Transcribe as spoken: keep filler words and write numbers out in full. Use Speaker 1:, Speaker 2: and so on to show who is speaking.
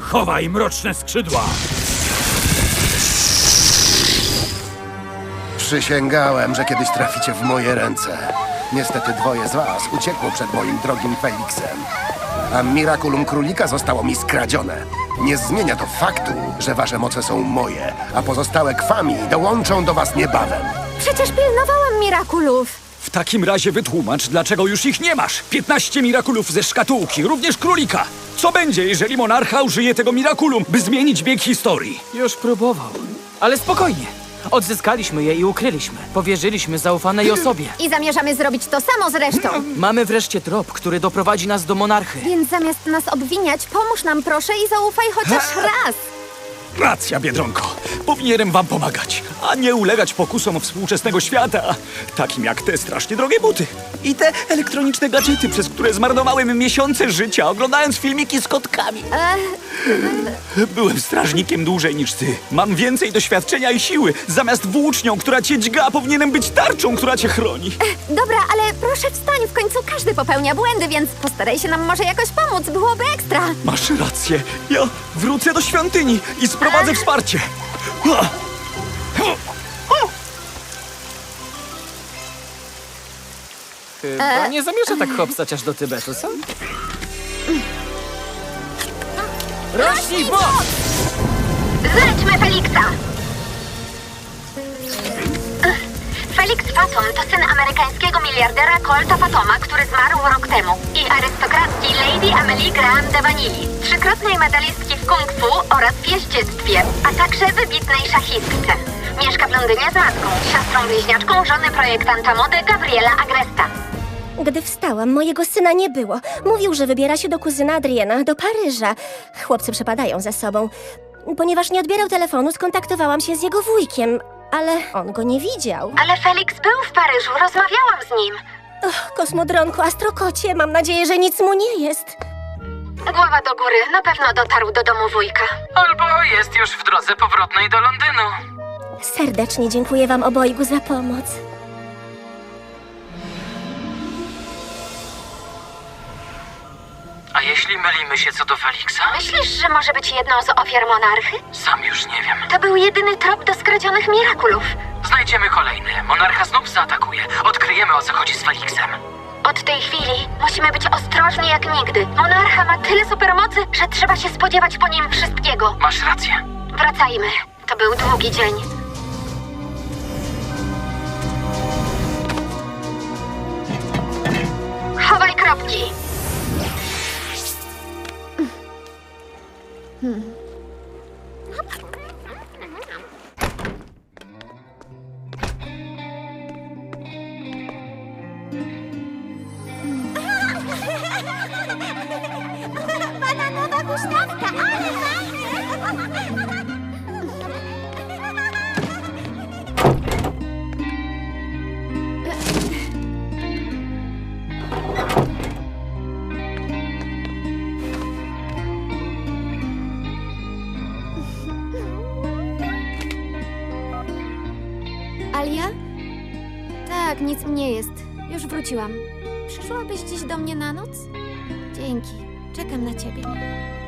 Speaker 1: Chowaj mroczne skrzydła!
Speaker 2: Przysięgałem, że kiedyś traficie w moje ręce. Niestety dwoje z was uciekło przed moim drogim Felixem. A Miraculum Królika zostało mi skradzione. Nie zmienia to faktu, że wasze moce są moje, a pozostałe kwami dołączą do was niebawem.
Speaker 3: Przecież pilnowałam Mirakulów.
Speaker 1: W takim razie wytłumacz, dlaczego już ich nie masz. piętnaście Mirakulów ze szkatułki, również królika. Co będzie, jeżeli monarcha użyje tego Miraculum, by zmienić bieg historii?
Speaker 4: Już próbował. Ale spokojnie. Odzyskaliśmy je i ukryliśmy. Powierzyliśmy zaufanej osobie.
Speaker 3: I zamierzamy zrobić to samo z resztą.
Speaker 4: Mamy wreszcie trop, który doprowadzi nas do monarchy.
Speaker 3: Więc zamiast nas obwiniać, pomóż nam proszę i zaufaj chociaż raz.
Speaker 1: Racja, Biedronko. Powinienem wam pomagać, a nie ulegać pokusom współczesnego świata, takim jak te strasznie drogie buty i te elektroniczne gadżety, przez które zmarnowałem miesiące życia, oglądając filmiki z kotkami. Byłem strażnikiem dłużej niż ty. Mam więcej doświadczenia i siły. Zamiast włócznią, która cię dźga, powinienem być tarczą, która cię chroni.
Speaker 3: Dobra, ale proszę wstań, w końcu każdy popełnia błędy, więc postaraj się nam może jakoś pomóc, byłoby ekstra.
Speaker 1: Masz rację. Ja wrócę do świątyni i sprowadzę wsparcie.
Speaker 4: Chyba nie zamierza tak hopsać aż do Tybetu, co? Rośnij w bok!
Speaker 3: Znajdźmy Felixa! Felix Fathom to syn amerykańskiego miliardera Colta Fathoma, który zmarł rok temu, i arystokratki Lady Amelie Graham de Vanilli, trzykrotnej medalistki w kung fu oraz w jeździectwie, a także wybitnej szachistce. Mieszka w Londynie z matką, siostrą bliźniaczką żony projektanta mody Gabriela Agresta.
Speaker 5: Gdy wstałam, mojego syna nie było. Mówił, że wybiera się do kuzyna Adriana, do Paryża. Chłopcy przepadają za sobą. Ponieważ nie odbierał telefonu, skontaktowałam się z jego wujkiem, ale on go nie widział.
Speaker 3: Ale Felix był w Paryżu, rozmawiałam z nim.
Speaker 5: Och, kosmodronku, astrokocie, mam nadzieję, że nic mu nie jest.
Speaker 3: Głowa do góry, na pewno dotarł do domu wujka.
Speaker 4: Albo jest już w drodze powrotnej do Londynu.
Speaker 5: Serdecznie dziękuję wam obojgu za pomoc.
Speaker 4: A jeśli mylimy się co do Felixa?
Speaker 3: Myślisz, że może być jedną z ofiar monarchy?
Speaker 4: Sam już nie wiem.
Speaker 3: To był jedyny trop do skradzionych Mirakulów.
Speaker 4: Znajdziemy kolejny. Monarcha znów zaatakuje. Odkryjemy, o co chodzi z Felixem.
Speaker 3: Od tej chwili musimy być ostrożni jak nigdy. Monarcha ma tyle supermocy, że trzeba się spodziewać po nim wszystkiego.
Speaker 4: Masz rację.
Speaker 3: Wracajmy. To był długi dzień. Chowaj kropki.
Speaker 5: Bananowa huśtawka, ale fajnie!
Speaker 3: Alia? Tak, nic mi nie jest. Już wróciłam. Przyszłabyś dziś do mnie na noc? Dzięki. Czekam na ciebie.